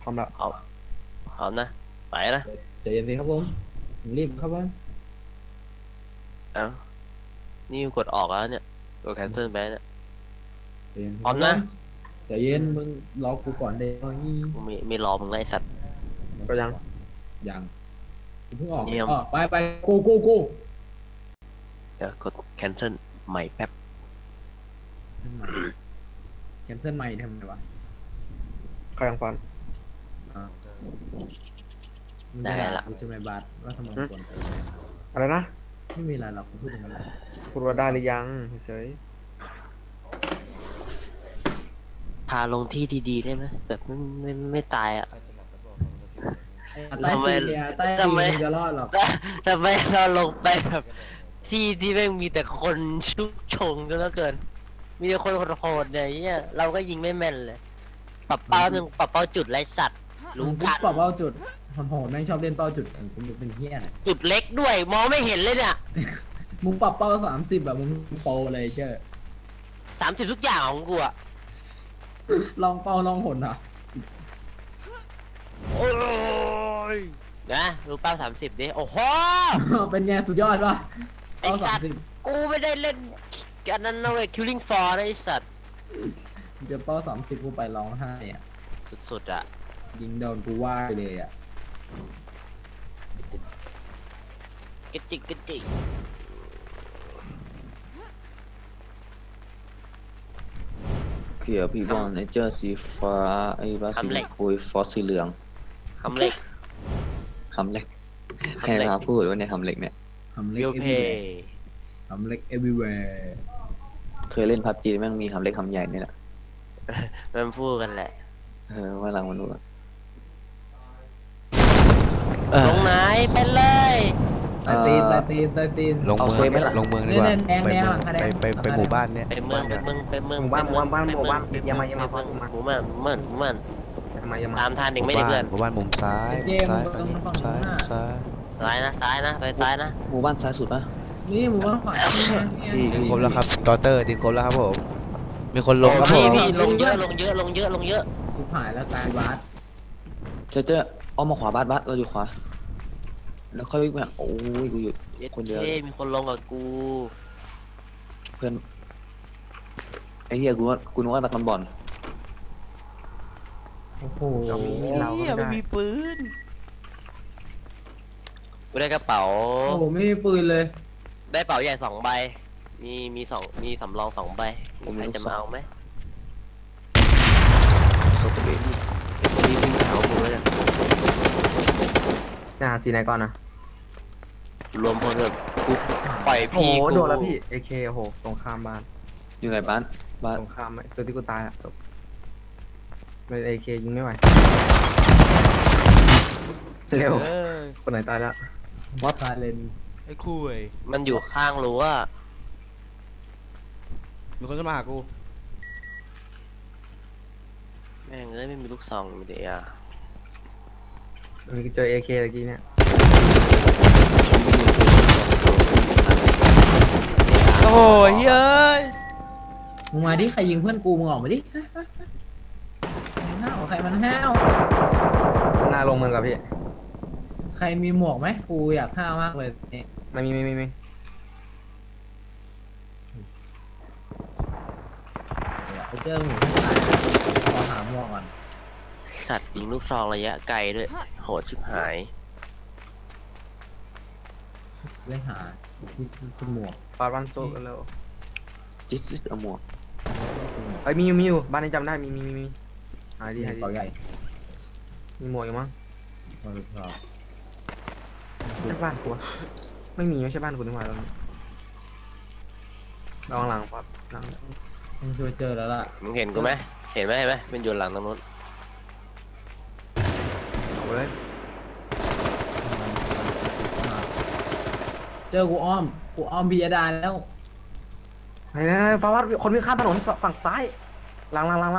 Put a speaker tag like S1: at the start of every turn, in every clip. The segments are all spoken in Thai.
S1: พร้อมแล้ว
S2: พร้อมพร้อมนะไปนะ
S3: ใจเย็นสิครับผมรีบครับผม
S2: เอ้านี่กดออกแล้วเนี่ยกด cancel ไปเนี่ย
S3: ใจเย็น
S2: พร้อมนะ
S3: ใจเย็นมึงรอกูก่อนเดี๋ยวนี้
S2: กูไม่รอมึงไล่สัตว์
S1: ก็ยัง
S3: ยังกูเพิ่งออก
S2: เยี่ยม
S3: ไปกู
S2: เดี๋ยวกด cancel ใหม่แป๊บ
S3: แคนเซิลใหม่ทำไมวะ
S1: เขายังฟัน
S3: มึงจะด่ากูจะไม่บาดว่าทำไมควรไป
S1: อะไรนะ
S3: ไม่มีอะไรหรอกกูพูดอย่างนั้นแหละ
S1: พูดว่าได้หรือยังเฉย
S2: พาลงที่ดีๆได้ไหมแบบไม่ตายอ่ะ
S3: ใต้ตีนเนี่ยใต้ตีนมึงจะรอดหรอก
S2: ทำไมเราลงไปแบบที่แม่งมีแต่คนชุกชงก็แล้วเกินมีแต่คนโหดๆเนี่ยเราก็ยิงไม่แม่นเลยปรับเป้าหนึ่งปรับเป้าจุดไรสัตว์รู้
S3: มึง
S2: กัน
S3: ปรับเป้าจุดโหดแม่งชอบเล่นเป้าจุดกูเป็นเฮี้ยนะ
S2: จุดเล็กด้วยมองไม่เห็นเลยเนี่ย
S3: มึงปรับเป้า30แบบมึงโปรเลยเจ้อ
S2: 30ทุกอย่างของกูอะ
S3: ลองเป้าลองหนอ่ะ
S2: โอ้ยนะดูเป้า30ดิโอ้โห
S3: เป็นไงสุดยอดป่ะ
S2: ไอ้
S3: เป้า
S2: สัตว์
S3: 30
S2: กูไม่ได้เล่นกันนั้นนะเว้ย killing floor นะไอ้สัตว์
S3: เดี๋ยวเป้า30กูไปร้องไห้อ่ะ
S2: สุดๆอะ
S3: ยิงโดนกูว่าเลยอ่ะ
S2: กระจิกกระจิก
S4: เขียวพี่บอลไอเจอร์สีฟ้าไอ้บ้าสีคุยฟอสสีเหลือง
S2: คำเล็ก
S4: หำเล็กใครมาพูดว่าเนี่ยหำเล็กเนี่ย
S3: ทำเล็
S2: เรี
S3: ก
S2: ยวเพ
S3: ทำเล็ก everywhere
S4: เคยเล่นพับจีแม่งมีหำเล็กหำใหญ่นี่แหละ
S2: มันพูดกันแหละ
S4: ว่าหลังมันรู้
S2: ลงไหนเป็นเลย
S3: ใต้ตีน
S5: ลงเมืองลงเมืองดีกว่าไปหมู่บ้านเนี่ย
S2: ไปเมือง
S1: หมู่บ้าน
S2: หมู่บ้าน
S1: อย่ามาฟัง
S2: หมู่บ้าน
S1: อย่ามา
S2: ตามทานเด็กไม่ได้เพื่อน
S5: หมู่บ้านมุมซ้ายซ้ายซ้ายซ้าย
S2: ซ้ายนะไปซ้ายนะ
S4: หมู่บ้านซ้ายสุดปะ
S3: นี่หมู่บ้านขวานี่ไง
S5: ดึงครบแล้วครับตอเตอร์ดึงครบแล้วครับผมมีคนลงครับผม
S2: พี่ลงเยอะ
S3: กูผ่านแล้วกลายบาส
S4: เจอเอามาขวาบ้านเราอยู่ขวาแล้วค่อยวิ่งไปโอ้ยกูหยุดคนเดียว
S2: มีคนลงกับกู
S4: เพื่อนไอ้เหี้ยกูนึกว่าตะกันบอล
S3: โอ้โห
S5: ไม่มีปืน
S2: กูได้กระเป๋า
S3: โอ้โหไม่มีปืนเลย
S2: ได้เป๋าใหญ่2 ใบมีสำรอง2 ใบใครจะมาเอาไหม
S4: สตรีท
S2: รีบวิ่งหากูเลย
S1: จะหาสีไหนก่อนนะ
S2: รวมพลแบบกูปล่อย
S1: โอ้
S2: พี่
S1: โห
S2: กู
S1: โดนแล้วพี่ AK โอ้โหตรงข้ามบ้าน
S4: อยู่ไหนบ้าน
S1: ตรงข้ามตัวที่กูตายอะจบเลย AK ยิงไม่ไหวเร็วคนไหนตายแล้ว
S3: วัดพาเลน
S5: ไอ้คุย
S2: มันอยู่ข้างรั้ว
S5: มีคนจะมาหากู
S2: แม่งเอ้ยไม่มีลูกซองมีแต่ยา
S1: มีเจอ AK ตะกี้เนี่ย
S5: โอ้ยเฮ้ย
S3: มึงมาดิใครยิงเพื่อนกูมึงออกมาดิใครมันห้าว
S1: หน้าลงเมืองกับพี่
S3: ใครมีหมวกไหมกูอยากห้าวมากเลยนี่
S1: ไม่มี
S3: ไปเจอหมูที่ตายขอหาหมวกก่อน
S2: สัตว์ยิงลูกซองระยะไกลด้วยโหดชิบหาย
S3: เล่นหาที่สมวก
S1: ปาดวันโซกันแล้ว
S4: จิสต์อมัว
S1: ไอ้ยมีอยู่บ้านนี้จำได้มีหายดี
S3: เป่าใหญ่
S1: มีหมวกอยู่มั้ง
S3: มาดูพอ
S1: ใช่บ้านกูวะไม่มีไม่ใช่บ้านกูนี่หว่าตอนนี้ระวังหลังปั๊บหลัง
S3: มึงช่วยเจอแล้วล่ะ
S2: มึงเห็นกูไหมเห็นไหมมันอยู่หลังตรงนู้น
S1: เอาเลย
S3: เจอกูอ้อมพิยดาแล้ว
S1: ไหนปาวัดคนวิ่งข้ามถนนฝั่งซ้ายหลัง
S4: ฮาลัง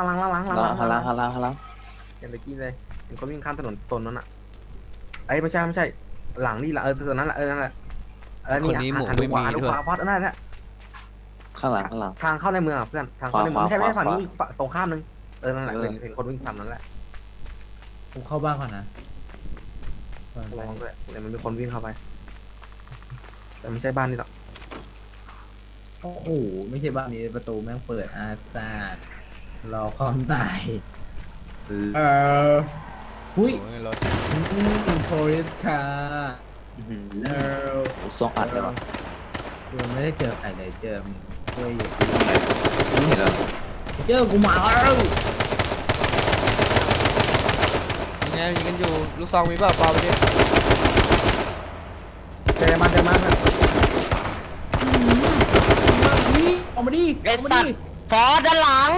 S1: เห็นตะกี้เลยเห็นคนวิ่งข้ามถนนตนนั้นอ่ะไอ้ไม่ใช่หลังนี่แหละตัวนั้นแหละนั่นแหละ
S5: คนนี้หมูไม่มีด้วย
S1: ขวาพอดนั่นแหละ
S4: ข้างหลัง
S1: ทางเข้าในเมืองอ่ะเพื่อนทางเข้าในเมืองไม่ใช่
S4: ขวา
S1: ฝั่งนี้ตรงข้ามนึงนั่นแหละเห็นคนวิ่งทำนั่นแหละ
S3: กูเข้าบ้านก่อนนะ
S1: ระวังด้วยเดี๋ยวมันมีคนวิ่งเข้าไป แต่ไม่ใช่บ้านนี่หรอก
S3: โอ้โหไม่ใช่บ้านนี้ประตูแม่งเปิดอาซาดรอความตายหุ้ย
S5: โอ้ยรถ
S3: โพลิสคาร์
S4: อื้อหือ
S3: เออ
S4: ซองอัดเลยวะ
S3: กูไม่ได้เจอใครเลยเจอมึงเว้ย
S4: ไม่เห็นเหรอ
S3: เจอกูมาแล้ว
S5: ยังไงยิงกันอยู่ลูกซองมีเปล่าเปล่าไปดิ
S1: เจอมาเจอมาเพื่อน
S3: ออกมาดิ
S2: ไอ้สัตว์ฟอร์ด้านหลัง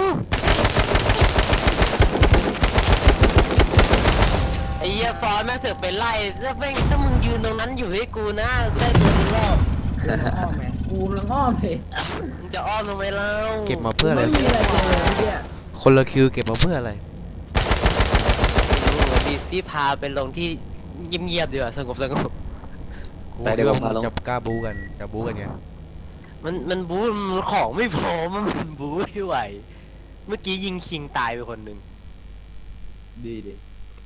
S2: ไอ้เหี้ยฟอร์แม่งเสือกไปไล่ถ้ามึงยืนตรงนั้นอยู่ให้กูนะกูได้ตัวนึงแล้ว
S3: อ้อมแม่กูลังอ้อมเลย
S2: มึงจะอ้อมทำไมเล่า
S5: เก็บมาเพื่ออะไร
S3: ไม่มีอะไรเจอเนี่ย
S5: คนละคิวเก็บมาเพื่ออะไร
S2: พี่พาไปลงที่เงียบๆดีกว่าสงบ
S5: กูคิดว่ามึงจะกล้าบู๊กันจะบู๊กันไง
S2: มันบู๊มันของไม่พอมันบู๊ไม่ไหว เมื่อกี้ยิงคิงตายไปคนหนึ่ง
S3: ดีดิ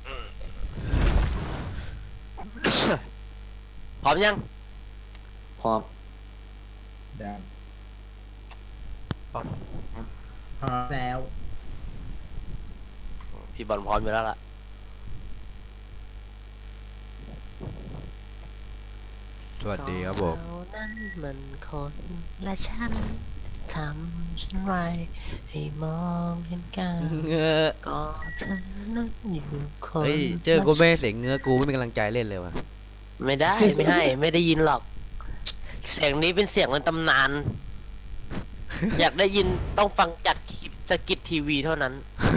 S2: พร้อมยัง
S4: พร้อม
S3: แดงพร้อมแล้ว
S2: พี่บอลพร้อมอยู่แล้วล่ะ
S5: สวัสดีครับผม
S2: เรานั้นมันคนและฉันทำฉันไรให้มองเห็นกัน
S5: เงือ
S2: ก็เธอนั้นอยู่คน
S5: เฮ้ยเจอกูไม่ให้เสียงเงื้อกูไม่มีกำลังใจเล่นเลยว่ะ
S2: ไม่ได้ไม่ให้ ไม่ได้ยินหรอก เสียงนี้เป็นเสียงในตำนาน อยากได้ยินต้องฟังจากคลิปสกิททีวีเท่านั้น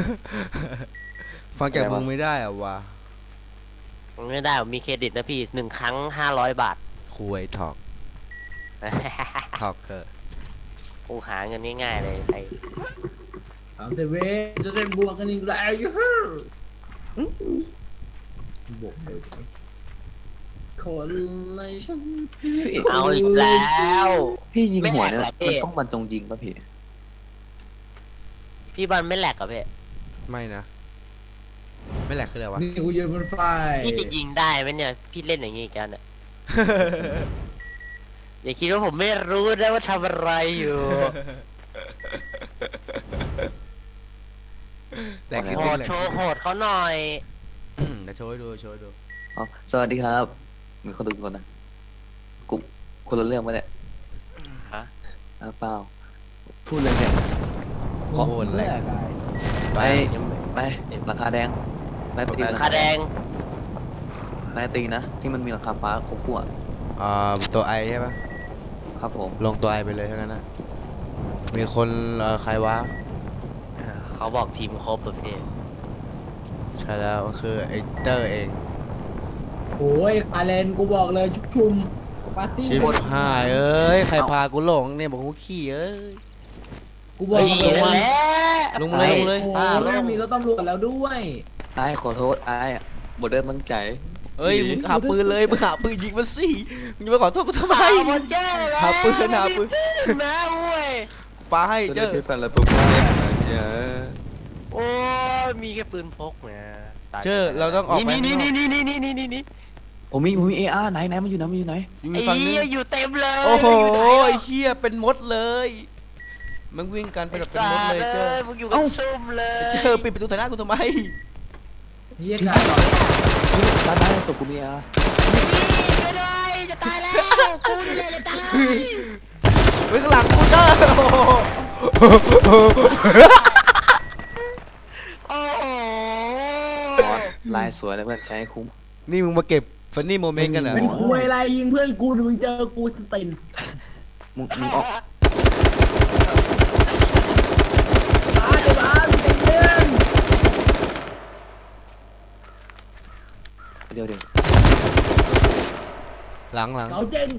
S5: ฟังจากมึงไม่ได้อ่ะวะ
S2: ไม่ได้ผมมีเครดิตนะพี่1 ครั้ง500 บาท
S5: คุยถอกถอกเกอร์
S2: กูหาเงินง่ายๆเลยไอ้
S3: 30 วิจะได้บวกกันอีกแล้วยูฮูบวกเลยคนเลยฉัน
S2: เอาอีกแล้ว
S4: พี่ยิงหัวเนี่ย
S2: ไม่แหลกเหรอพี่
S4: มันต้องบรรจงยิงป่ะพี่
S2: พี่บอลไม่แหลกเหรอพี่
S5: ไม่นะ ไม่แหลกคืออะไรวะ
S3: นี่กูยืนบนไฟ
S2: พี่จะยิงได้ไหมเนี่ย พี่เล่นอย่างงี้อีกันอ่ะ อย่าคิดว่าผมไม่รู้นะว่าทำอะไรอยู่
S5: แหลกคือ
S2: โห
S5: ดิ้น
S2: ด
S5: แหลก
S2: โชว์โหดเขาหน่อย
S5: เดี๋ยวโชว์ให้ดูโชว์ให้ดู
S4: อ๋อสวัสดีครับมีคนดูคนนะกูคนละเรื่องปะเนี่ย
S2: ฮะ
S4: เปล่าพูดเลยเนี่ย
S5: โอ้โหแหลก
S4: ไป
S2: ยังไม่
S4: ไปราคาแดงไปตี
S2: ราคาแดง
S4: ไปตีนะที่มันมีราคาฟ้าคั่ว
S5: ตัวไอใช่ปะ
S4: ๆครับผม
S5: ลงตัวไอไปเลยทั้งนั้นนะมีคนใครวะ
S2: เขาบอกทีมครบประเภท
S5: ใช่แล้วก็คือไอเตอร์เอง
S3: โอ้ยคาเลนกูบอกเลยชุมปาร์ตี้
S5: ชิบหายเอ้ยใครพากูหลงเนี่ยบอกกูขี่เอ้ย
S3: กูบอก
S2: นี่
S3: เลย
S2: นั่น
S3: ว่า
S2: แหละ
S5: ลงเลยลงเลย
S3: โอ้ยแม่งมีรถตำรวจแล้วด้วย
S4: ไอ้ขอโทษไอ้บทเดินตั้งใจ
S5: เอ้ยมึงหาปืนเลยมึงหาปืนยิงมันสิมึงจะมาขอโทษกูทำไม
S2: หมดเจ้แล้ว
S5: หาปืนหาปืน
S2: นะเว้ย
S5: ปาให้เจอ
S4: ที่แฟนแล้วปุ๊บเนี่ยเนี่ย
S2: โอ้ยมีแค่ปืนพกนะตาย
S5: เจอเราต้องออกไป
S2: นี่
S5: ข้าง
S2: นี่
S5: นอก
S2: นี่
S4: ผมมีเออาร์ไหนมันอยู่ไหนมันอยู่ไหน
S5: อยู่
S2: ไอ้
S5: ฝั่งนึ
S2: เหี้ย
S5: ง
S2: อยู่เต็มเลย
S5: โอ้โห
S2: มันยู่ไหน
S5: ไอ้เหี้ยเป็นมดเลยมึงวิ่งกันเป็นแบบเป็นมดเลยเจอ
S2: มึงอยู่กับซุ่มเลย
S5: เจอปิดประตูใส่หน้ากูทำไม
S3: เฮียกายก่อน
S4: ด้านหน้าศพกูมีเออาร์
S2: ไม่ได้จะตายแล้วกูนี่แหละจะตาย
S5: เฮ้ยข้างหลังกูเจอ
S2: โอ้โห
S4: ลายสวยเลยเพื่อนใช้ให้คุ้ม
S5: นี่มึงมาเก็บฟันนี่โมเมนต์กันเหรอ
S3: เป็นคุยอะไรยิงเพื่อนกูมึงเจอกูสติน
S4: มึงออก
S3: บ้านเป็นเรื่อง
S4: เดี๋ยว
S5: หลัง
S3: เกาเจ้ง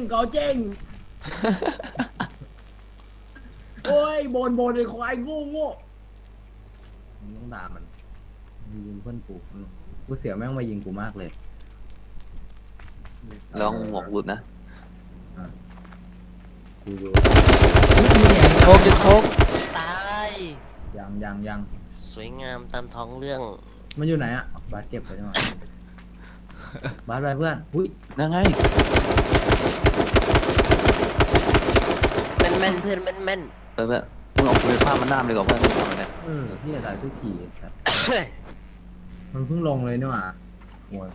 S3: โอ้ยบนไอ้ควายโง่มึงต้องด่ามันยิงเพื่อนกูเสียวแม่งมายิงกูมากเลย
S4: ลองหมวกหลุดนะ
S3: กูรู้
S5: โชก
S2: ตาย
S3: ยัง
S2: สวยงามตามท้องเรื่อง
S3: มันอยู่ไหนอ่ะบาสเก็บไปหน่อยบาสไปเพื่อนอุ้ย
S4: นั่นไง
S2: แม่นเพื่อนแม่น
S4: เออแบบมึงเอาปืนผ้ามันน้ำเลยก่อนเพื่อนมึงทำเนี่ย
S3: พี่จะตายทุกทีสัตว์
S2: ๆ
S3: มันเพิ่งลงเลยนี่หว่าโว้ย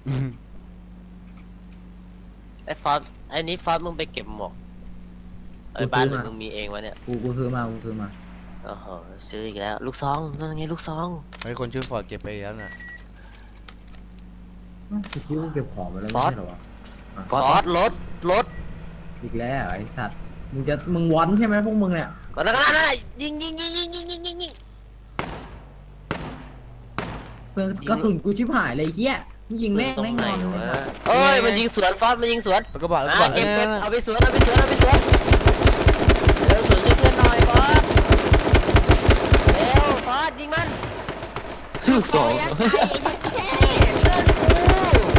S2: ไอ้ฟอสไอ้นี้ฟอสมึงไปเก็บหมวกไอ้บ้านหรือมึงมีเองวะเนี่ย
S3: กูซื้อมา
S2: โอ้โหซื้ออีกแล้วลูกซองนั่นไงลูกซอง
S5: ไอ้คนชื่อฟอร์ดเก็บไปแล้วน่ะ
S3: คิดว่าเก็บของไปแล้วไม่ใช่เหรอวะ
S2: ฟอสรถ
S3: อีกแล้วไอ้สัตว์มึงวอนใช่ไหมพวกมึงเนี่ย
S2: ก็นั่นยิง
S3: เพื่อนกระสุนกูชิบหายเลยเฮียมึงยิงแม่ง
S2: ตรง
S3: แม่ง
S2: ไหน
S3: นอน
S2: วะเอ้ยมันยิงสวนฟอสมันยิงสวน
S5: แล้วก็บอกแล้วก็บอก
S2: เก็บ
S5: เออ
S2: เอาไปสวนเร็วสวนให้เพื่อนหน่อยฟอสเร็วฟอสยิงมัน
S4: ลูกสอง
S2: เพื่อนกู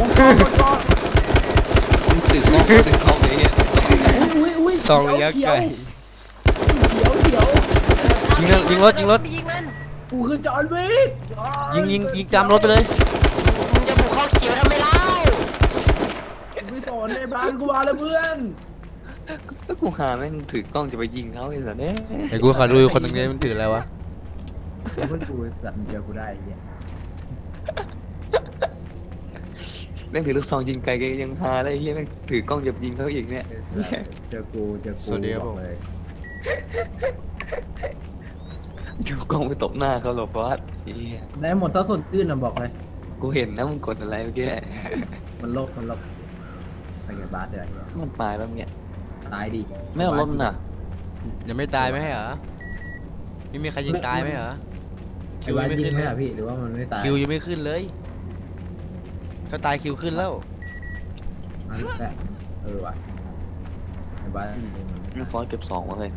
S4: มึงตื่นกล้องตื่นกล้องเลยเนี่ย
S3: อุ้ย
S5: ซองระยะไกล
S3: เขียว
S5: ยิงรถ
S2: ยิงมัน
S3: กูคือจอห์นวิก
S5: ยิงตามรถไปเลย
S2: มึงจะบุกเข้าเขียวทำไมเล่า
S3: ไม่สอนในบ้านกูมาเลยเพื่อน
S4: แล้วกูหาแม่งถือกล้องจะไปยิงเขาไอ้สัสเนี่ย
S5: ไอ้กูขอดูคนตรงนี้มันถืออะไรวะ
S3: เพื่อนกูสัตว์เดียวกูได้เฮีย
S4: แม่งถือลูกซองยิงไกลแกยังหาอะไรเฮียแม่งถือกล้องจะยิงเขาอีกเนี่ย
S3: เจอกูบอกเลย
S4: อยู่กล้องไปตบหน้าเขาหรอฟอสเฮีย
S3: ได้หมดถ้าสดตื้นนะบอกเลย
S4: กูเห็นนะมึงกดอะไรเมื่อกี้
S3: มันลบไปกับบาสเดี๋ยว
S4: มันตายแล้วเนี่ย
S3: ตายดิ
S4: ไม่เอารถมันน่ะ
S5: ยังไม่ตายไหมเหรอไม่มีใครยิงตายไหมเหรอ
S3: ไอ้บาสยิงไหมอ่ะพี่หรือว่ามันไม่ตาย
S5: คิวยังไม่ขึ้นเลย ถ้าตายคิวขึ้นแล้ว
S3: อันแต่ว่ะไอ้บาส
S4: ฟอสเก็บ2มาเลย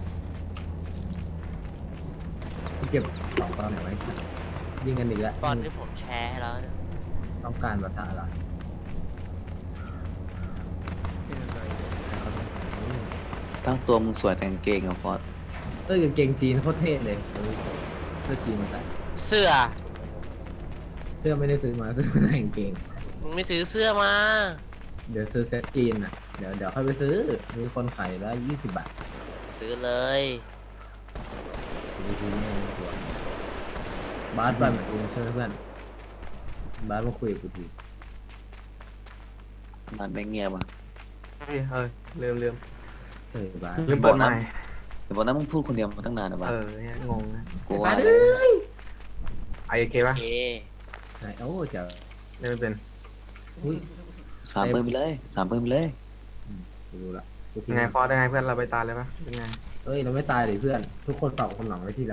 S3: เก็บสองตอนไหนไว้สัตว์ยิงกันอีกแล้ว
S2: ตอนที่ผมแชร์ให้แล้วเนี่ย
S3: ต้องการปะทะเหรอ
S4: ทั้งตัวมึงสวยแต่กางเกงอะฟอส
S3: กางเกงจีนโคตรเท่เลยเสื้อจีนมาใส่
S2: เสื้อ
S3: เสื้อไม่ได้ซื้อมาซื้อมาแต่กางเกง
S2: มึงไม่ซื้อเสื้อมา
S3: เดี๋ยวซื้อเซ็ตจีนอ่ะเดี๋ยวค่อยไปซื้อมีคนขายแล้ว20 บาท
S2: ซื้อเลย
S3: ดูทีนี่ตัวบาสไปเหมือนกูใช่ไหมเพื่อนบาสมาคุยกับกูที
S4: มันไม่เงียบอ่ะ
S1: เฮ้ยลืม
S3: บาส
S1: ลืมเปิดไมค์
S4: เดี๋ยวบอกนะมึงพูดคนเดียวมาตั้งนานนะบ้า
S1: เนี่ยงงนะ
S4: กู
S3: บา
S4: ว่า
S3: สเอ้ย
S1: ไอเค
S2: โอ
S1: ป่ะ
S2: เค
S3: โอ้เจ๋อ
S1: เล่นไม่เป็น
S3: อุ้ย
S4: 3 ปืนไปเลย3 ปืนไปเลย
S3: กูรู้ละกู
S1: ยังไงฟอสยังไงเพื่อนเราไปตายเลยป่ะเป็นไง
S3: เอ้ยเราไม่ตายเลยเพื่อน ทุกคนฝากความหลังไว้ที่เรา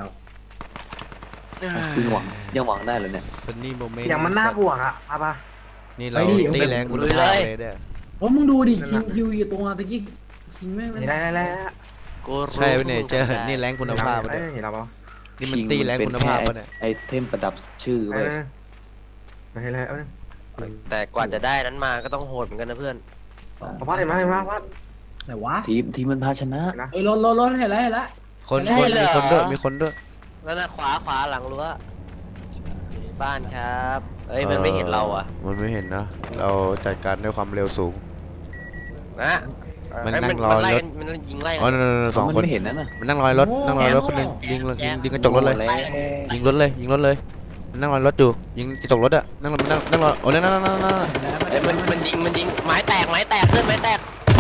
S4: ยังหวังได้เหรอเนี่ย
S5: ซันนี่โมเมนต์
S1: เสียงมันน่าบวกอ่ะป่ะ
S5: นี่เราตีแรงคุณภาพเลยเนี่ย
S3: โอ้มึงดูดิคิงคิวอยู่ตรงตะกี้คิงแม่ง
S1: นี่ได้
S2: กูรู้
S5: ใช่ปะเนี่ยเจอนี่แรงคุณภาพปะเนี่ย
S1: เห็นเราป่ะ
S5: นี่มันตีแรงคุณภาพปะเนี่ย
S4: ไอเทมประดับชื่อเว้ย
S1: ไปเลย
S2: แต่กว่าจะได้นั้นมาก็ต้องโหดเหมือนกันนะเพื่อน
S1: พอดเห็นไหมว่า
S3: ไหนวะ
S4: ทีมมันพาชนะ
S3: เอ้ยรถเห็นแล้ว
S5: คน
S2: ใช่เหรอ
S5: มีคนด้วย
S2: แล้วนะขวาหลังรั้วอยู่ในบ้านครับเอ้ยมันไม่เห็นเราอ่ะ
S5: มันไม่เห็นนะ เราจัดการด้วยความเร็วสูง
S2: นะ
S5: มัน
S2: เอ้ย
S5: นั่งรอ
S2: ไล่
S5: รถ
S2: กันมันยิงไล่
S5: อ๋อ
S2: กัน
S5: นั่นสอง
S4: มัน
S5: คน
S4: ไม่เห็นนั่นน่ะ
S5: มันนั่งรอยรถคนหนึ่งยิงกระจกรถเลย ยิงรถเลยนั่งรอยรถอยู่ยิงกระจกรถอะนั่งรอโอ้นั่น
S2: เอ้ยมันยิงไม้แตกเพื่อนไม้แตก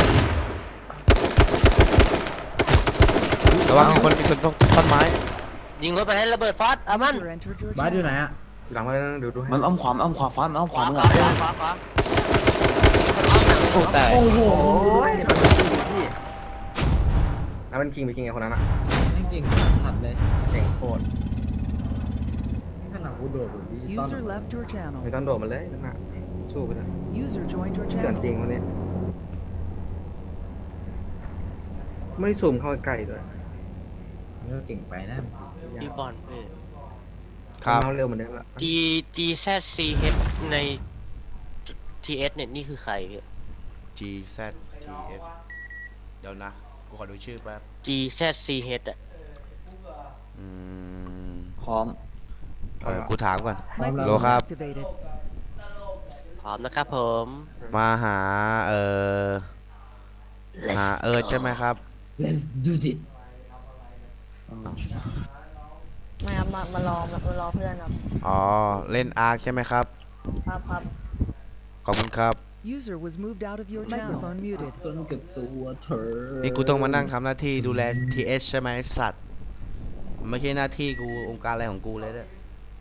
S5: ระวังมีคนต้องท่อนไม้
S2: ยิงรถไปให้ระเบิดฟอสเอามัน
S6: User entered your
S3: บาสอยู่
S6: channel.
S3: ไหนอ่ะ
S1: หลังมาดูให้
S4: มันอ้อมขวาฟ้ามันอ้อมข
S2: ข
S4: วาว
S2: า
S4: มึง
S2: ข
S4: อะ
S2: วา
S5: โอ้แต่
S3: โอ้โห
S1: แล้วมันคิงไปคิงไอ้คนนั้นอ่ะ
S3: แม่งเก่งขัดเลย
S1: เก่งโคตร
S3: ขนาดกูโดดดิ
S6: User left your
S1: ไม่
S6: channel.
S1: ต้องโดดมันเลยนั่นน่ะสู้ไปเถอะ
S6: User joined your
S1: เกิน
S6: channel.
S1: จริงวันนี้ไม่ซูมเข้าใกล้ด้วย
S3: ก็เก่งไปนะ
S2: พี่บอลเพื่อน
S5: ครับ
S1: เร็วเหมือนเดิมละ
S2: G Z C H ใน T S เนี่ยนี่คือใครพี่
S5: G Z T S เดี๋ยวนะกูขอดูชื่อแป๊บ
S2: G Z C H อ่ะ
S5: อืม
S4: พร้อม
S5: กูถามก่อน
S6: Microphone
S5: Lô Khap.
S6: activated.
S2: พร้อมนะครับผม
S5: มาหาหา
S2: Let's
S5: ใช่ไหมครับ
S3: let's do it
S7: ไม่ครับมารอเพื่อนครับ
S5: อ๋อเล่นอาร์คใช่ไหมครับ
S7: ครับ
S5: ขอบคุณครับ
S6: User was moved out of your channel. Microphone muted.
S3: จนเก็บตัวเธอ
S5: นี่กูต้องมานั่งทำหน้าที่ดูแล TS ใช่ไหมไอ้สัตว์ไม่ใช่หน้าที่กูองค์การอะไรของกูเลยเนี่ย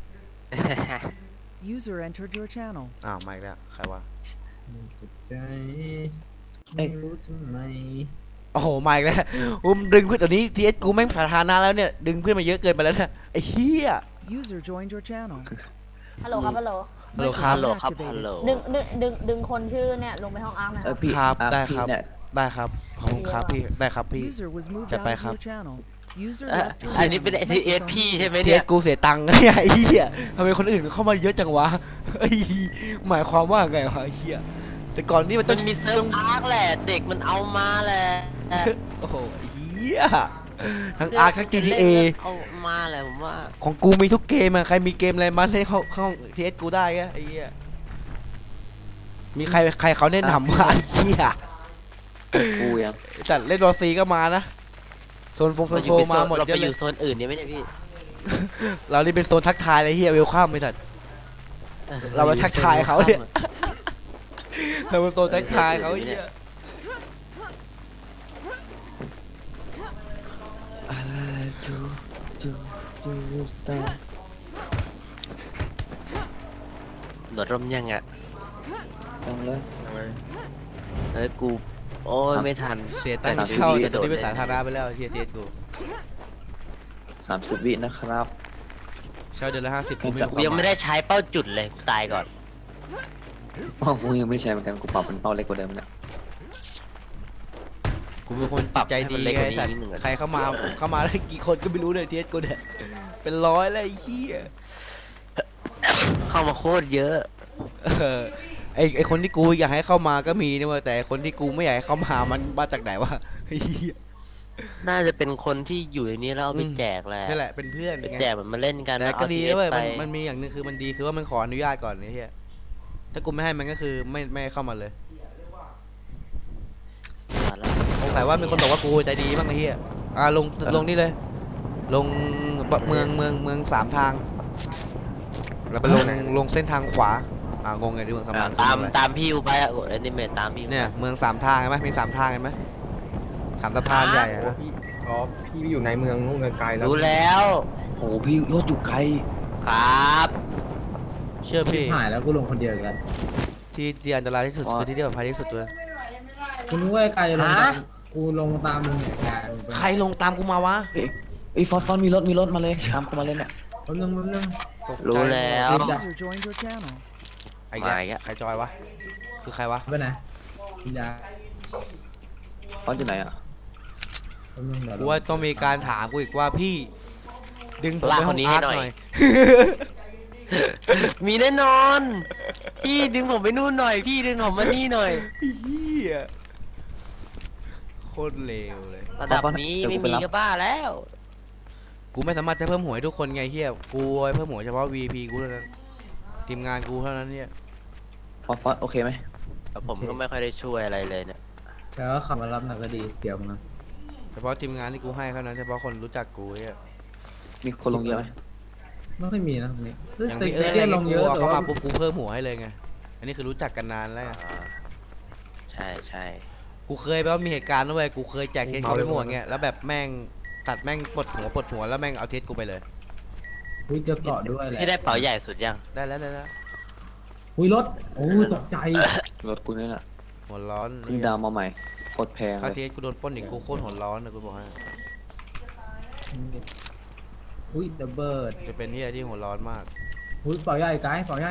S6: User entered your channel.
S5: อ้าวมาอีกแล้วใครวะ
S3: ใจไม่รู้ทำไม
S5: โอ้โหมาอีกแล้วดึงเพื่อนตอนนี้ TS กูแม่งสาธารณะแล้วเนี่ยดึงเพื่อนมาเยอะเกินไปแล้วเนี่ยไอ้เหี้ย
S6: User joined your channel.
S7: ฮัลโหลครับฮัลโหล
S5: ฮัลโหลครับ
S2: ฮัลโหล
S6: Microphone
S2: ครับ
S6: activated.
S2: ฮัลโหล
S7: ดึงคนชื่อเนี่ยลงไปห้องอาร์คหนะค
S4: เอ
S7: รั
S4: อบ พี่
S5: ครับ
S4: อ่ะ
S5: ได้
S4: พี่
S5: ครับ
S4: เนี่ย
S5: ได้ครับขอบคุณครับพี่ได้ครับพี่
S6: User was moved
S5: Chặt
S6: out
S5: tay
S6: of
S5: khắp.
S6: your channel. User
S2: เอ่อ
S6: left your
S2: อันนี้เป็น
S6: channel.
S2: TS
S6: Microphone
S2: พี่
S6: muted.
S2: ใช่ไหม
S5: TS
S2: เนี่ย
S5: กูเสียตังค์เนี่ยไอ้เหี้ยทำไมคนอื่นเข้ามาเยอะจังวะไอ้หมายความว่าไงวะไอ้เหี้ยแต่ก่อนนี่มัน
S2: มั
S5: ต้อน ง
S2: มีเซิร์ฟอาร์คแหละ เด็กมันเอามาแหละ
S5: โอ้โหไอ้เหี้ยทั้งอาร์ทั้ง GTA
S2: เอามาแหละผมว่า
S5: ของกูมีทุกเกมอะใครมีเกมอะไรมาให้เข้า TS กูได้ไอ้เหี้ยมีใครเขาแนะนำว่าไอ้เหี้ย
S4: กูยัง
S5: จัดเล่นวอซีก็มานะโซนโซนโซมาหมด
S2: เรา
S5: เย
S2: ไป
S5: อะ
S2: อ
S5: เลย
S2: ยู่โซนอื่นเนี่ยไม่ใช่พี่
S5: เรานี่เป็นโซนทักทายเลยเฮียเวลคัมไม่ทัน เรามาทักทายเขาเนี่ย เราเป็นโซนทักทายเขาเฮีย
S2: หนวดร่มยังอ่ะ
S4: ต้องเลย
S2: เฮ้ยกูโอ้ยไม่ทัน
S5: เสียตังค์เข้าแต่ตอนนี้เป็นสาธารณะไปแล้วเฮียเทียกู
S4: 30 วินะครับ
S5: เช่าเดือนละ50กูไม่
S2: กูยังไม่ได้ใช้เป้าจุดเลยกูตายก่อน
S4: อ๋อกูยังไม่ได้ใช้เหมือนกันกูปรับเป็นเป้าเล็กกว่าเดิมเนี่ย
S5: กูเป็นคนจิตใจดีไงสัตว์ใครเข้ามาได้กี่คนก็ไม่รู้เลยเทียกูเนี่ยเป็นร้อยเลยไอ้เฮีย
S2: เข้ามาโคตรเยอะ
S5: เออไอคนที่กูอยากให้เข้ามาก็มีนะเว้ยแต่คนที่กูไม่อยากให้เข้ามามันมาจากไหนวะไอ้เหี้ย
S2: น่าจะเป็นคนที่อยู่ในนี้แล้วเอาไปแจกแหละ
S5: นั่นแหละเป็นเพื่อน
S2: ไป
S5: ไง
S2: แจกเหมือนมาเล่นกัน
S5: แต่
S2: เอา
S5: ก็ดี
S2: TS
S5: นะเว้ย
S2: ไป
S5: มันมีอย่างหนึงคือมันดีคือว่ามันขออนุญาตก่อนไอ้เหี้ยถ้ากูไม่ให้มันก็คือไม่เข้ามาเลยสงสัยว่ามีคนบอกว่ากูใจดีบ้างไอ้เหี้ยลงนี่เลย ลงเมืองสามทาง แล้วไปลงเส้นทางขวางงไงดิเมืองสามทาง
S2: ตามพี่อูไปอะกดแอนิเมตตามพี่
S5: เนี่ยเมืองสามทางเห็นไหมมีสามทางเห็นไหมสามสะพานใหญ่อะ
S1: โอ้พี่พี่อยู่ในเมืองนู่นไกลๆแล้ว
S2: รู้แล้ว
S4: โอ้พี่รถอยู่ไกล
S2: ครับ
S5: เชื่อพี่
S3: หายแล้วกูลงคนเดียวอีกแล้ว
S5: ที่อันตรายที่สุดคือที่ปลอดภัยที่สุดเลย
S3: กูนึกว่าไอ้ไกลจะลงตามกูลงตามมึงเนี่ยไกล
S5: ใครลงตามกูมาวะ
S4: เอ้ยฟอนมีรถมาเลยตามกูมาเลยเนี่ย
S3: แป๊บนึง
S2: รู้แล้ว
S6: User joined your channel.
S5: ไอ้แก
S2: มาอีกแล้ว
S5: ใครจอยวะคือใครวะ
S3: ไปไหนยา
S4: ฟอนอยู่ไหนอ่ะ
S3: แป๊บนึงเดี๋ยว
S5: กูว่าต้องมีการถามกูอีกว่าพี่ ดึงผมไปห้องอาร์ตหน่อย
S2: มีแน่นอน พี่ดึงผมไปนู่นหน่อย พี่ดึงผมมานี่หน่อย
S5: เฮียโคตรเลวเลย
S2: ระดับนี้ไม่มีก็บ้าแล้ว
S5: กูไม่สามารถจะเพิ่มหวยทุกคนไงเฮียกูไว้เพิ่มหวยเฉพาะ VP กูเท่านั้นทีมงานกูเท่านั้นเนี่ย
S4: ฟอนโอเคไหม
S2: แต่ผมก็ไม่ค่อยได้ช่วยอะไรเลยเนี่ย
S3: แล้วก็ขับมารับหน่อยก็ดีเสียวมึงนะ
S5: เฉพาะทีมงานที่กูให้เท่านั้นเฉพาะคนรู้จักกูเนี่ย
S4: มีคนลงเยอะไหม
S3: ไม่ค่อยมีนะตรงนี้
S5: อย่าง
S3: แต่
S5: พี่เอิร์ธ
S3: เตี้ย
S5: อะไร
S3: ล
S5: เงี้
S3: ง
S5: ย
S3: เย
S5: กู
S3: อะแต่
S5: เข้า
S3: ว่า
S5: มาปุ๊บกูเพิ่มหัวให้เลยไงอันนี้คือรู้จักกันนานแล้วไง
S2: ใช่ใช่
S5: กูเคยแบบว่ามีเหตุการณ์ด้วยกูเคยแจกเทสเขาไปหมดเงี้ยแล้วแบบแม่งตัดแม่งปลดหัวแล้วแม่งเอาเทสกูไปเลย
S3: อุ้ยเจอเกาะด้วยแหละ
S2: พี่ได้เป๋าใหญ่สุดยัง
S5: ได้แล้ว
S3: อุ้ยรถโอ้ยตกใจ
S4: รถกูนี่แหละ
S5: หัวร้อน
S4: เพิ่งดาวมาใหม่โคตรแพง
S5: ค่า
S4: เล
S5: เท
S4: ย
S5: สกูโดนปล้นอีกกูโคตรหัวร้อนนะกูบอกให้
S3: อุ้ยดับเบิล
S5: จะเป็นที่อะไรที่หัวร้อนมาก
S3: อุ้ยเป่าใหญ่ไกด์เป่าใหญ่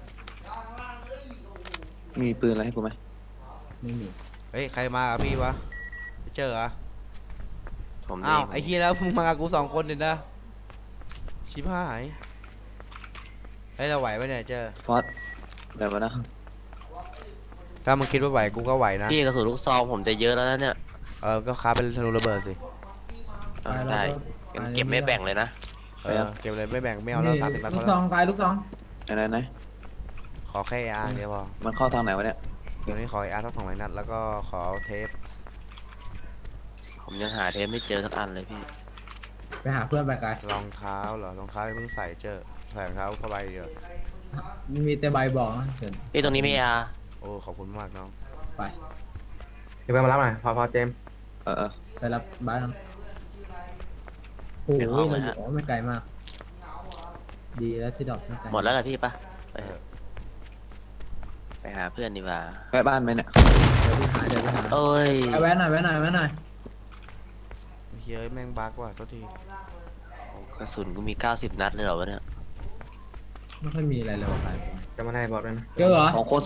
S4: มีปืนอะไรให้กูไหม
S3: ไม่มี
S5: เฮ้ยใครมากับพี่วะไปเจอเหรอ
S2: ผม
S5: อ้าว
S2: นี่
S5: ไอ้เฮียแล้วมึงมากับกู2 คนเด่นนะชิบหายเฮ้ยเราไหวปะเนี่ยเจอ
S4: ฟอนแบบว่านะ
S5: ถ้ามึงคิดว่าไหวกูก็ไหวนะ
S2: พี่กระสุนลูกซองผมจะเยอะแล้วนะเนี่ย
S5: ก็ค้าเป็นธนูระเบิดสิ
S2: ได้งั้นเก็บไม่แบ่งเลยนะ
S5: เก็บเลยไม่แบ่งไม่เอาแล้ว30 นัด
S3: ลู
S5: พ
S3: ก
S5: อ
S3: ซ
S5: แล้
S3: อ
S5: ว
S3: งไปลูกซอง
S4: ไหน
S5: ขอแค่อาเดียวพอ
S4: มันเข้าทางไหนวะเนี่ย
S5: เดี๋ยวนี้ขออาสัก200 นัดแล้วก็ขอเทป
S2: ผมยังหาเทปไม่เจอสักอันเลยพี่
S3: ไปหาเพื่อนไปไกล
S5: รองเท้าเหรอรองเท้าเพิ่งใส่ใส่รองเท้าผ้าใบเดียว
S3: มีแต่ใบบอกนะเชิญ
S2: พี่ตรงนี้ไม่อา
S5: โอ้ขอบคุณมากน้อง
S3: ไป
S1: เดี๋ยวไปมารับหน่อยพอเจมส์
S4: เออ
S3: ไปรับบ้านโอ้โหเราอยู่อ๋อไม่ไกลมาก ดีแล้วที่ดอกไม่ไกล
S2: หมดแล้วเหรอพี่ปะไปเถอะไปหาเพื่อนดีกว่า
S4: แวะบ้านไหมเนี่ย
S3: เดี๋ยวไปหา
S2: เอ้ย
S3: เอาแวะหน่อยแวะหน่อยแวะหน่อย
S5: เฮ้ยแม่งบักว่ะโทษที
S2: กระสุนกูมี90 นัดเลยเหรอวะเนี่ย
S3: ไม่ค่อยมีอะไรเลยว่ะไป
S1: จะมาได้บอกด้วยนะ
S3: เจอเหรอ
S4: สองคน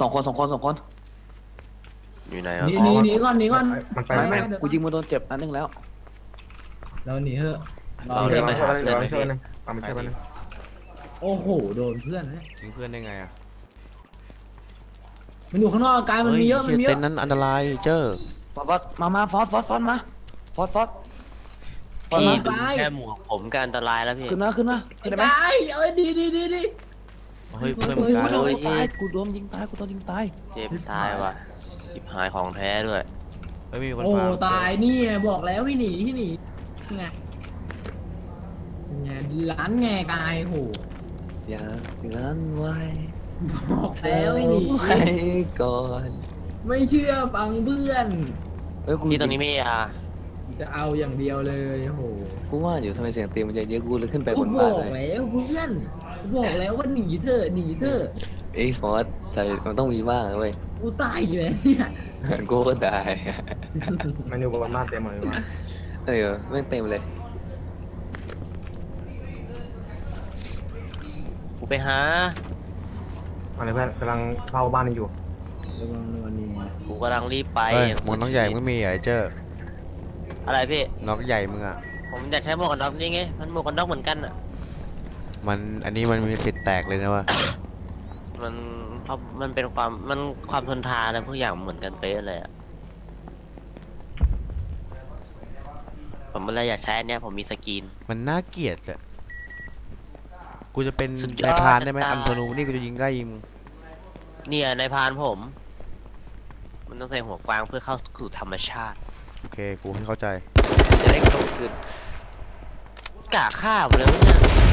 S2: อยู่ไหนวะ
S3: หนีก่อนหนีก่อน
S1: มันไป
S4: ไม่
S1: ไม่
S4: กูยิงมันโดนเจ็บนัดนึงแล้ว
S3: เราหนีเถอะ
S1: เดี๋ยวมาช่วยเดี๋ยวมาช่วยนึงเอามาช่วยนึง
S3: โอ้โหโดนเพื่อนนะ
S5: ยิงเพื่อนได้ไงอ่ะ
S3: มันอยู่ข้างนอกกายมันมีเยอะมันมีเย
S5: เต็
S3: อะ
S5: นนั้นอันตรายเจอ
S4: ฟอสมาฟอสมาฟอส
S2: พี่ดูแค่หมวกผมก็อันตรายแล้วพี่
S4: ขึ้นมา
S3: ไอ้
S4: ขึ้นได้ไหม
S3: กายเอ้ยดี
S5: เฮ้ยเพื่อน
S4: โอ้
S5: มึงตาย
S4: โดนตายกูโดนยิงตาย
S2: เจ็บตายว่ะจิบหายของแท้ด้วย
S5: เฮ้ยมีคน
S3: โอ้
S5: ฟัง
S3: ตายนี่ไงบอกแล้วพี่หนีไงไงร้านไงกายโห
S4: อย่างั้นไว้
S3: บอกแล้วพี่หนี
S4: ไว้ก่อน
S3: ไม่เชื่อฟังเพื่อน
S4: เฮ้ยกู
S2: พี่ตรงนี้ไม่อา
S3: จะเอาอย่างเดียวเลยโอ้โห
S4: กูว่าอยู่ทำไมเสียงตีมันจะเยอะกูเลยขึ้นไปบ
S3: กู
S4: น
S3: บ
S4: บ้าน
S3: อก
S4: เลย
S3: แล้วเพื่อนกูบอกแล้วว่าหนีเถอะ
S4: ไอ้ฟอสใจมันต้องมีบ้างนะเว้ย
S3: กูตายอยู่แล้วเนี่ย
S4: กูก็ได้
S1: มันอยู่บนบ้านเต็มหมดเลยมา
S4: เออไม่งเต็มเลย
S2: กูไปหา
S1: อะไรเพื่อนกำลังเฝ้าบ้านอยู่
S3: ระวังวันนี้
S2: กูกำลังรีบไป
S5: เฮ้ยหมวกน้องใหญ่มึงก็มีเหรอไอ้เจอ
S2: อะไรพี่
S5: น้องใหญ่มึงอ่ะ
S2: ผมอยากใช้หมวกกันน็อกนี่ไง มันหมวกกันน็อกเหมือนกันอ่ะ
S5: อันนี้มันมีสิทธิ์แตกเลยนะวะ
S2: มันเพราะมันเป็นความทนทานอะไรพวกอย่างเหมือนกันเป๊ะเลยอ่ะ ผมเลยอยากใช้อันเนี้ยผมมีสกรีน
S5: มันน่าเกลียดอะกูจะเป็น
S2: สุดยอด
S5: นายพรานได้ไหม
S2: จะตาย
S5: อันธนูนี่กูจะยิงได้ยิง
S2: เนี่ยในพรานผม มันต้องใส่หัวกวางเพื่อเข้าสู่ธรรมชาติ
S5: โอเคกูไม่เข้าใจ
S2: จะได้กลมกลืนกะฆ่าผมเลยวะเนี่ย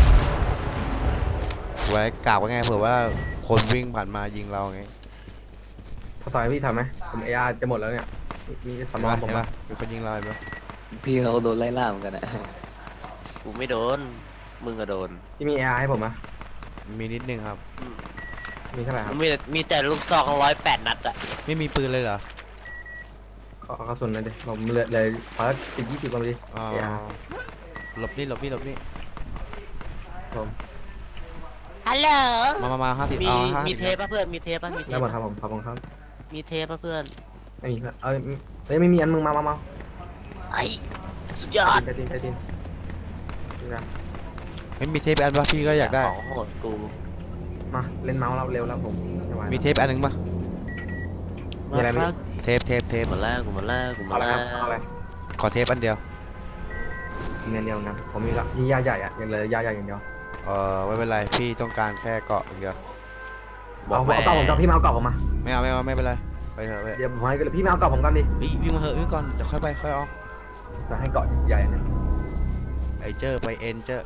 S5: ไว้กล่าวว่าไงเผื่อว่าคนวิ่งผ่านมายิงเราไง
S1: พอต่อยพี่ทำไหมผมเออาร์จะหมดแล้วเนี่ยมีสำรองผม
S5: เห็น
S1: มา
S5: ปะมีคนยิงเราเห็นปะ
S4: พี่เขาโดนไล่ล่าเหมือนกันอะ
S2: กูไม่โดน มึงก็โดน
S1: พี่มีเออาร์ให้ผมไหม
S5: มีนิดนึงครับ
S1: มีเท่าไหร่ครับ
S2: มีแต่ลูกซอง108 นัดอะ
S5: ไม่มีปืนเลยเหรอ
S1: ขอกระสุนหน่อยดิผมเลยขอ10-20ก่อนดิ
S5: อ๋อ
S1: เออาร์
S5: หลบนี่
S1: ผม
S2: ฮัลโหล
S5: มา50
S2: มี
S5: เอา
S2: มี
S5: 50
S2: เทปป่ะเพื่อน มีเทปป่ะมีเท
S1: ได้
S2: ป
S1: หมดครับผมขอบคุณครับ
S2: มีเทปป่ะเพื่อน
S1: ไม่มีเพื่อนเอ้ยไม่มีอันมึงมา
S2: ไอ้สุดยอด
S1: ใจดินนะ
S5: ไม่มีเทปอันปะพี่ก็อยากได้
S2: ของโหดกู
S1: มาเล่นเมาส์เราเร็วแล้วผมไม่ไหว
S5: มีเทปอันหนึ่งปะ
S1: มีอะไรไหม
S2: มาครับ
S5: เทป
S2: หมดแล้วกูหมดแล้วกูหม
S1: เอา
S2: ด
S1: อะไร
S2: แล้
S1: ครับเอาอะไร
S2: ว
S5: ขอเทปอันเดียว
S1: มีอันเดียวนะผมมีละมียาใหญ่อะอย่างเลยยาใหญ่อย่างเดียว
S5: ไม่เป็นไรพี่ต้องการแค่เกาะอย่างเดียว
S1: เอาเกาะผมกับพี่มาเอาเกาะผมมา
S5: ไม่เอาไม่เป็นไรไปเถอะไป
S1: เดี๋ยวผมให้พี่มาเอาเกาะผมก่อนดิ
S5: วิ่งมาเถอะวิ่งก่อนเดี๋ยวค่อยไปค่อยออก
S1: จะให้เกาะใหญ่เนี่ย
S5: ไอเจอไปเอ็นเจอ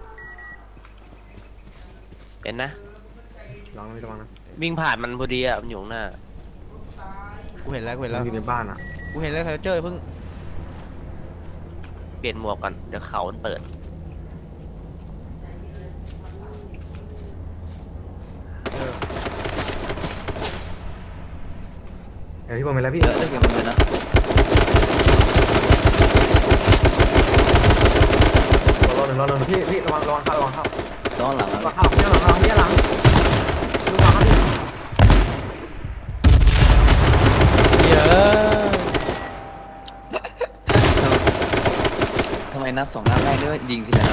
S2: เป็นนะ
S1: ลองไม่ต้องนะ
S2: วิ่งผ่านมันพอดีอะมันอยู่ข้างหน้า
S5: กูเห็นแล้ว
S1: มันอยู่ในบ้านอะ
S5: กูเห็นแล้วเจอเพิ่ง
S2: เปลี่ยนหมวกก่อน เดี๋ยวเขามันเปิด
S1: เดี๋ยวพี่ผมไปแล้วพี่
S4: เยอะเลยเกมมันเลยนะ
S1: รอหนึ่งพี่ระวังเข้า
S4: ย้อนหลังแล้ว
S1: ระวังเข้าเนี่ยหลังระวังครับพี่
S5: เยอะ
S4: ทำไมนัด2 นัดแรกนี่ว่ายิงทีละนัด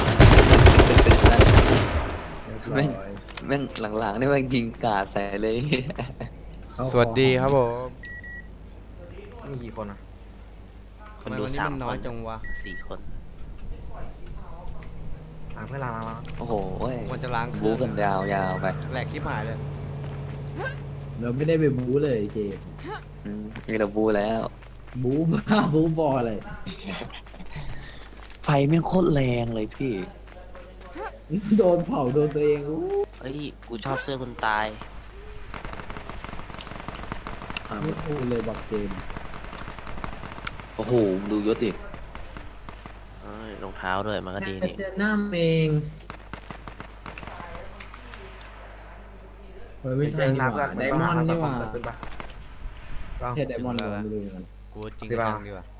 S4: แม่งหลังๆนี่ว่ายิงกาดใส่เลย
S5: สวัสดีครับผม
S1: มีกี่คนอะ
S2: คนดู
S5: ทำไมวันนี้
S2: 3
S5: มัน
S2: ค
S5: น้อย
S2: น
S5: จังวะ
S2: 4 คน
S1: เพื่อนล้าง
S4: โอ้โหเว้ย
S5: ควรจะล้างเครื่
S4: บู๊
S5: อง
S4: กันยาวๆไป
S5: แหลกชิบหายเลย
S3: เราไม่ได้ไปบู๊เลยเจมส์
S4: มีเราบูแล้ว
S3: บู๊บ้าบู๊บออะไร
S4: ไฟแม่งโคตรแรงเลยพี่
S3: โดนเผาโดนตัวเองอู้
S2: เฮ้ยกูชอบเสื้อคนตาย
S3: ไม่พูดเลยบอกเจมส์
S4: โอ้โหดูยศดิ
S2: เอ้ยรองเท้าด้วยมันก็ดีนี่
S3: เจอหน้าเองเฮ้ยไม่ใช่นี่หว่าไดมอนด์นี่หว่า
S1: ขึ้นปะ
S3: ใช่ไดมอนด์เราไม่รู้เหมือนกัน
S5: กูจริง
S1: ดี
S5: จั
S1: ป่ะ
S5: งดีกว่า